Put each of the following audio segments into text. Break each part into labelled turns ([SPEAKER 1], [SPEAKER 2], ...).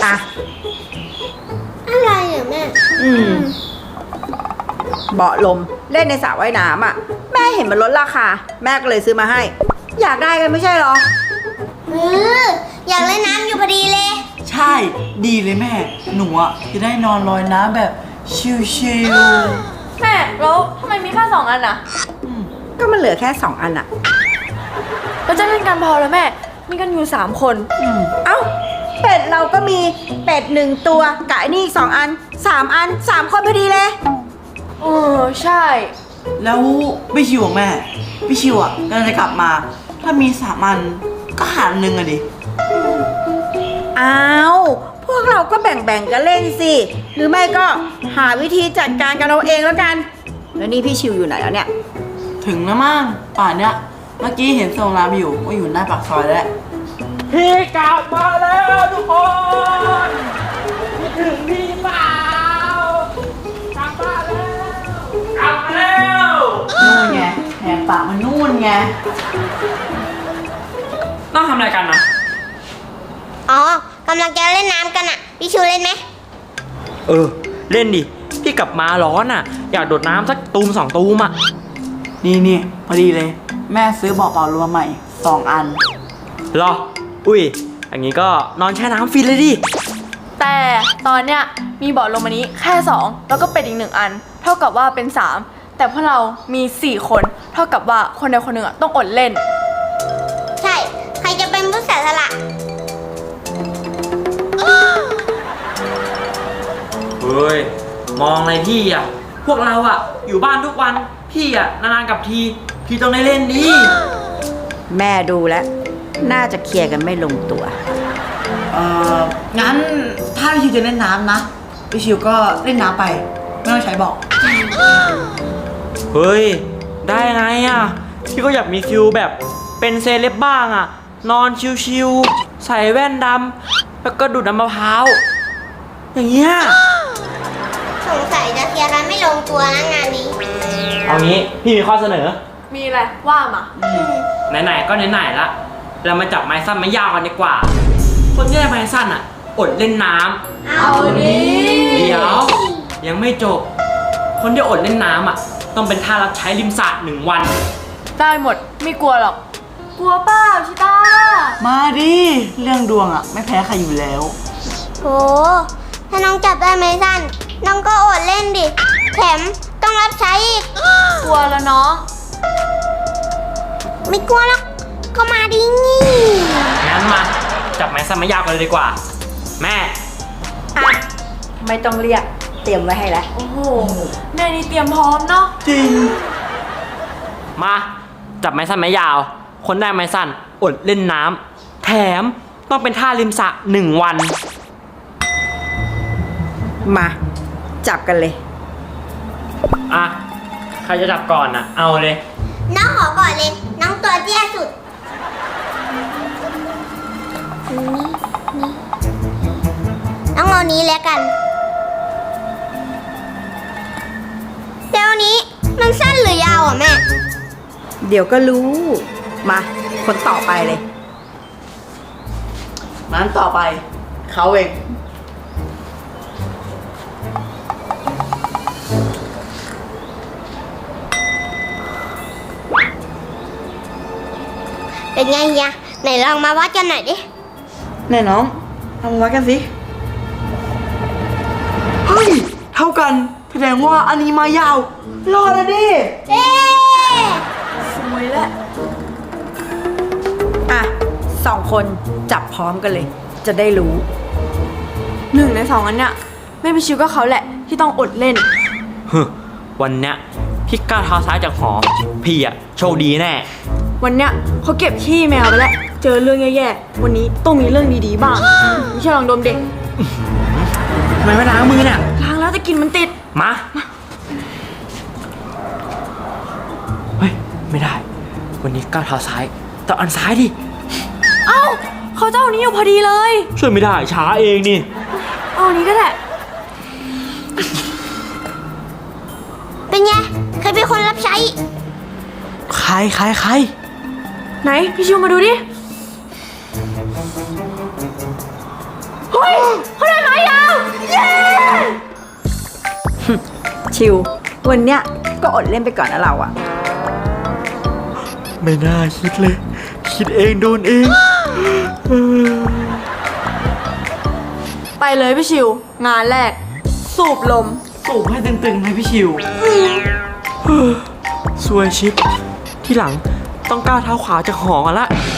[SPEAKER 1] อ่ะ
[SPEAKER 2] อะไรอ่ะแม่
[SPEAKER 1] เบาะลมเล่นในสระว่ายน้ำอ่ะแม่เห็นมันลดราคาแม่ก็เลยซื้อมาให้อยากได้กันไม่ใช่หรอ
[SPEAKER 2] อยากเล่นน้ำอยู่พอดีเลย
[SPEAKER 3] ใช่ดีเลยแม่หนูอ่ะจะได้นอนลอยน้ำแบบชิลๆ
[SPEAKER 4] แม่แล้วทำไมมีแค่2 อันอ่ะ
[SPEAKER 1] ก็มันเหลือแค่2 อันอ่ะ
[SPEAKER 4] เราจะเล่นกันพอแล้วแม่มีกันอยู่3 คน
[SPEAKER 1] เอ้าเป็ดเราก็มีเป็ด1 ตัวกับไอ้นี่อีก2 อัน3 อัน3 คนพอดีเลย
[SPEAKER 4] ใช่
[SPEAKER 3] แล้วพี่ชิวของแม่พี่ชิวอ่ะกำลังจะกลับมาถ้ามี3 อันก็หาร1อ่ะดิ
[SPEAKER 1] อ้าวพวกเราก็แบ่งกันเล่นสิหรือไม่ก็หาวิธีจัดการกันเอาเองแล้วกันแล้วนี่พี่ชิวอยู่ไหนแล้วเนี่ย
[SPEAKER 3] ถึงแล้วมั้งป่านเนี้ยเมื่อกี้เห็นส่งน้ำอยู่ว่าอยู่หน้าปากซอยแล้ว
[SPEAKER 5] พี่กลับมาแล้วทุกคนคิดถึงพี่เปล่ากลับมาแล้ว
[SPEAKER 3] นู่นไงแหกปากมันนู่นไง
[SPEAKER 5] ต้องทำอะไรกันนะ
[SPEAKER 2] อ๋อกำลังจะเล่นน้ำกันอ่ะพี่ชูเล่นไหม
[SPEAKER 5] เล่นดิพี่กลับมาร้อนอ่ะอยากโดดน้ำสักตูม2 ตูมอ่ะ
[SPEAKER 3] นี่พอดีเลยแม่ซื้อเบาะเป่าลมใหม่2 อัน
[SPEAKER 5] เหรออุ้ยอย่างนี้ก็นอนแช่น้ำฟินเลยดิ
[SPEAKER 4] แต่ตอนเนี้ยมีเบาะลมอันนี้แค่2แล้วก็เป็ดอีก1 อันเท่ากับว่าเป็น3แต่พวกเรามี4 คนเท่ากับว่าคนใดคนหนึ่งต้องอดเล่น
[SPEAKER 2] ใช่ใครจะเป็นผู้เสียสละ
[SPEAKER 5] เฮ้ยมองอะไรพี่อ่ะพวกเราอ่ะอยู่บ้านทุกวันพี่อ่ะนานๆกับทีพี่ต้องได้เล่นดิ
[SPEAKER 1] แม่ดูแล้วน่าจะเคลียร์กันไม่ลงตัว
[SPEAKER 3] งั้นถ้าพี่ชิวจะเล่นน้ำนะพี่ชิวก็เล่นน้ำไปไม่ต้องใช้เบาะ
[SPEAKER 5] เฮ้ยได้ไงอ่ะพี่ก็อยากมีฟิลแบบเป็นเซเลบบ้างอ่ะนอนชิวๆใส่แว่นดำแล้วก็ดูดน้ำมะพร้าวอย่างเงี้ย
[SPEAKER 2] สงสัยจะเคลียร์กันไม่ลงตัวนะงานนี้
[SPEAKER 5] เอางี้พี่มีข้อเสนอ
[SPEAKER 4] มีอะไรว่ามา
[SPEAKER 5] ไหนๆก็ไหนๆละเรามาจับไม้สั้นไม้ยาวกันดีกว่าคนที่ได้ไม้สั้นอ่ะอดเล่นน้
[SPEAKER 4] ำเอาดิ
[SPEAKER 5] เดี๋ยวยังไม่จบคนที่อดเล่นน้ำอ่ะต้องเป็นท่ารับใช้ริมสระ1 วัน
[SPEAKER 4] ได้หมดไม่กลัวหรอกกลัวเปล่าชิต้า
[SPEAKER 3] มาดิเรื่องดวงอ่ะไม่แพ้ใครอยู่แล้ว
[SPEAKER 2] โหถ้าน้องจับได้ไม้สั้นน้องก็อดเล่นดิแถมต้องรับใช้อีก
[SPEAKER 4] กลัวแล้วน้อง
[SPEAKER 2] ไม่กลัวหรอกก็มาดิงี้
[SPEAKER 5] งั้นมาจับไม้สั้นไม้ยาวกันเลยดีกว่าแม่
[SPEAKER 1] ไม่ต้องเรียกเตรียมไว้ให้แล้ว
[SPEAKER 4] โอ้โหแม่นี่เตรียมพร้อมเนาะ
[SPEAKER 3] จริง
[SPEAKER 5] มาจับไม้สั้นไม้ยาวคนได้ไม้สั้นอดเล่นน้ำแถมต้องเป็นท่าริมสระ1 วัน
[SPEAKER 1] มาจับกันเลย
[SPEAKER 5] ใครจะจับก่อนอ่ะเอาเลย
[SPEAKER 2] น้องขอก่อนเลยน้องตัวเตี้ยสุดน้องเอานี้แล้วกันเดี๋ยวนี้มันสั้นหรือยาวอ่ะแม่
[SPEAKER 1] เดี๋ยวก็รู้มาคนต่อไปเลย
[SPEAKER 3] นั้นต่อไปเขาเอง
[SPEAKER 2] เป็นไงยะไหนลองมาวัดกันหน่อยดิ
[SPEAKER 3] ไหนน้องเอามาวัดกันสิเฮ้ยเท่ากันแสดงว่าอันนี้มายาวรอดแล้วดิ
[SPEAKER 4] สวยแล้ว
[SPEAKER 1] 2 คนจับพร้อมกันเลยจะได้รู้
[SPEAKER 4] 1 ใน 2 อันเนี้ยไม่ไปชิวก็เขาแหละที่ต้องอดเล่น
[SPEAKER 5] วันเนี้ยพี่ก้าวเท้าซ้ายจากหอพี่อ่ะโชคดีแน่
[SPEAKER 4] วันเนี้ยเขาเก็บขี้แมวไปแล้วเจอเรื่องแย่ๆวันนี้ต้องมีเรื่องดีๆบ้างไม่ใช่ลองดมเด็ก
[SPEAKER 5] ทำไมไม่ล้างมือเนี่ย
[SPEAKER 4] ล้างแล้วแต่กลิ่นมันติด
[SPEAKER 5] มาเฮ้ยไม่ได้วันนี้ก้าวเท้าซ้ายต้องอันซ้ายดิ
[SPEAKER 4] เอ้าเขาเจ้านี้อยู่พอดีเลย
[SPEAKER 5] ช่วยไม่ได้ช้าเองนี่
[SPEAKER 4] เอาอันนี้ก็แหละ
[SPEAKER 2] เป็นไงใครเป็นคนรับใช้
[SPEAKER 5] ใคร
[SPEAKER 4] ไหนพี่ชิวมาดูดิเฮ้ยเข
[SPEAKER 1] ชิว วันเนี้ยก็อดเล่นไปก่อนนะเราอะ
[SPEAKER 5] ไม่น่าคิดเลย คิดเองโดนเอง
[SPEAKER 4] ไปเลยพี่ชิว งานแรก สูบลม
[SPEAKER 3] สูบให้ตึงๆเลยพี่ชิว
[SPEAKER 5] สวยชิป ที่หลังต้องก้าวเท้าขวาจากหอกันละ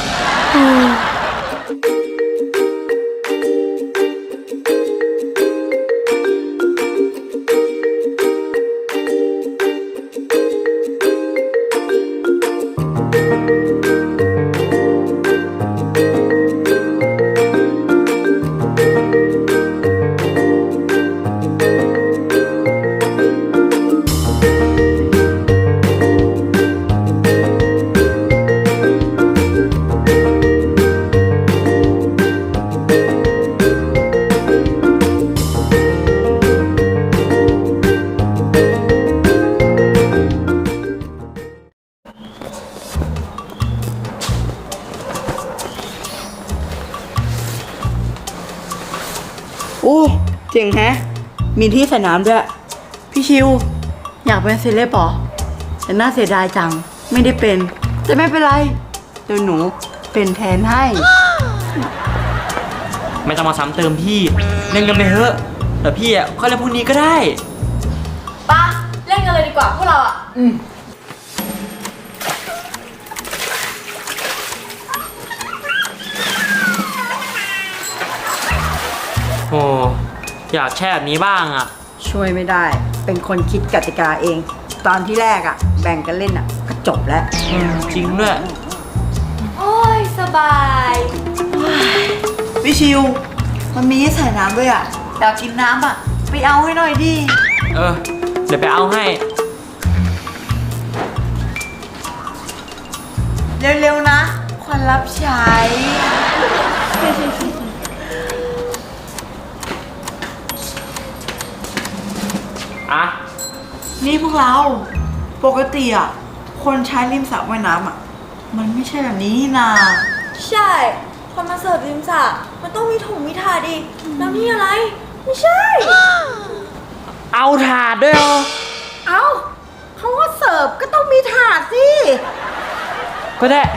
[SPEAKER 3] โอ้เจ๋งแฮะ มีที่ใส่น้ำด้วย พี่ชิว อยากเป็นเซเลบเหรอแต่น่าเสียดายจัง ไม่ได้เป็น แต่ไม่เป็นไร เดี๋ยวหนูเป็นแทนให้
[SPEAKER 5] ไม่ต้องมาซ้ำเติมพี่ เล่นกันไปเถอะแต่พี่อ่ะค่อยเล่นพรุ่งนี้ก็ได้
[SPEAKER 4] ปะเล่นกันเลยดีกว่าพวกเราอะ
[SPEAKER 5] โอ้อยากแช่แบบนี้บ้างอ่ะ
[SPEAKER 1] ช่วยไม่ได้ เป็นคนคิดกติกาเอง ตอนที่แรกอะแบ่งกันเล่นอะก็จบแล้ว
[SPEAKER 5] จริงด้วย
[SPEAKER 4] โอ้ย สบาย
[SPEAKER 3] พี่ชิว มันมีที่ใส่น้ำด้วยอ่ะ อยากกินน้ำอ่ะ ไปเอาให้หน่อยดิ
[SPEAKER 5] เออ เดี๋ยวไปเอาให้
[SPEAKER 3] เร็วๆนะคนรับใช้
[SPEAKER 5] อ่ะ
[SPEAKER 3] นี่พวกเรา ปกติอ่ะ คนใช้ริมสระว่ายน้ำอ่ะ มันไม่ใช่แบบนี้นี่นา
[SPEAKER 4] ใช่คนมาเสิร์ฟริมสระมันต้องมีถุงมีถาดดิแล้วนี่อะไร ไม่ใช่
[SPEAKER 5] เอาถาดด้วยเหรอ
[SPEAKER 1] เอ้าเขาว่าเสิร์ฟก็ต้องมีถาดสิ
[SPEAKER 5] ก็ได้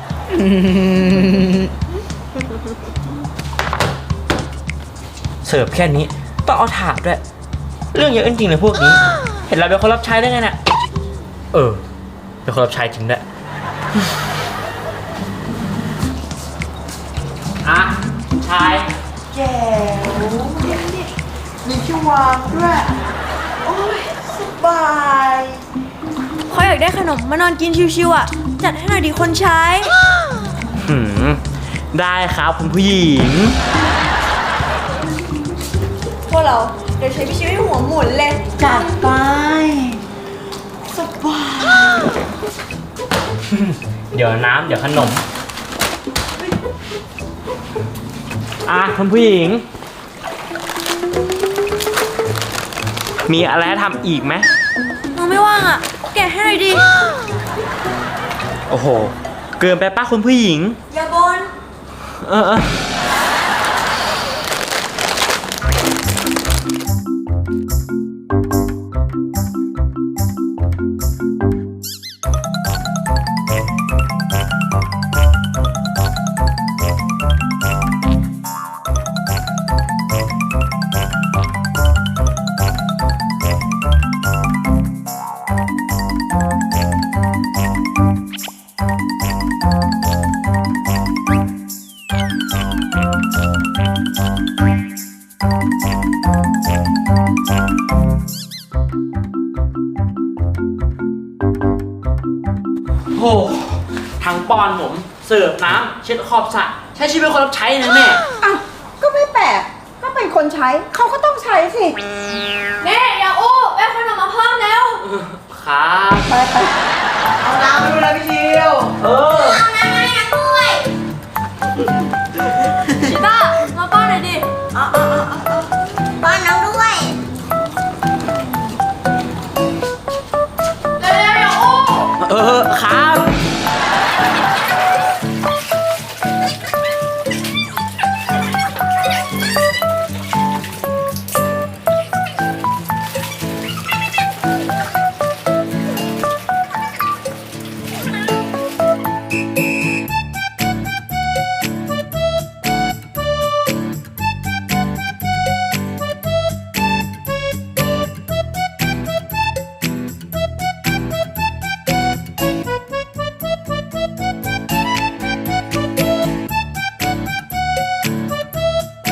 [SPEAKER 5] เสิร์ฟแค่นี้ ต้องเอาถาดด้วย เรื่องเยอะจริงๆเลยพวกนี้ เห็นเราเป็นคนรับใช้ได้ไงเนี่ยเออ เป็นคนรับใช้จริงด้วย อ่ะ ชาย
[SPEAKER 3] แก้วมีที่วางด้วย โอ้ย สบาย
[SPEAKER 4] เขาอยากได้ขนมมานอนกินชิวๆอ่ะ จัดให้หน่อยดิคนใช้
[SPEAKER 5] หืม ได้ครับคุณผู้หญิง
[SPEAKER 4] พวกเราเดี๋ยวใช้พี่ชิวให้หัวหมุนเลย
[SPEAKER 3] จัดไป สบาย
[SPEAKER 5] เดี๋ยวน้ำเดี๋ยวขนม อ่ะคุณผู้หญิง มีอะไรให้ทำอีกไหม
[SPEAKER 4] น้องไม่ว่างอ่ะ แกะให้หน่อยดิ
[SPEAKER 5] โอ้โห เกินไปป้าคุณผู้หญิง
[SPEAKER 4] อย่าบน
[SPEAKER 5] เออ โหทั้งป้อนผมเสิร์ฟน้ำเช็ดขอบสระใช้ชีวิตเป็นคนรับใช้นะแม่
[SPEAKER 1] อ้าวก็ไม่แปลก ก็เป็นคนใช้ เขาก็ต้องใช้สิ
[SPEAKER 4] แม่อย่าอู้แม่ขนมมาเพิ่มแล้ว
[SPEAKER 5] ครับ
[SPEAKER 1] ไปไป
[SPEAKER 3] เอาน้ำไปดูแลพี่ชิว
[SPEAKER 5] เออ
[SPEAKER 2] เอาน้ำมาให้น้ำด้วย
[SPEAKER 4] ชิต้า มาป้อนหน่อยดิ
[SPEAKER 2] ป้อนน้ำด้วย
[SPEAKER 4] เร็วๆอย่าอู้
[SPEAKER 5] เออครับ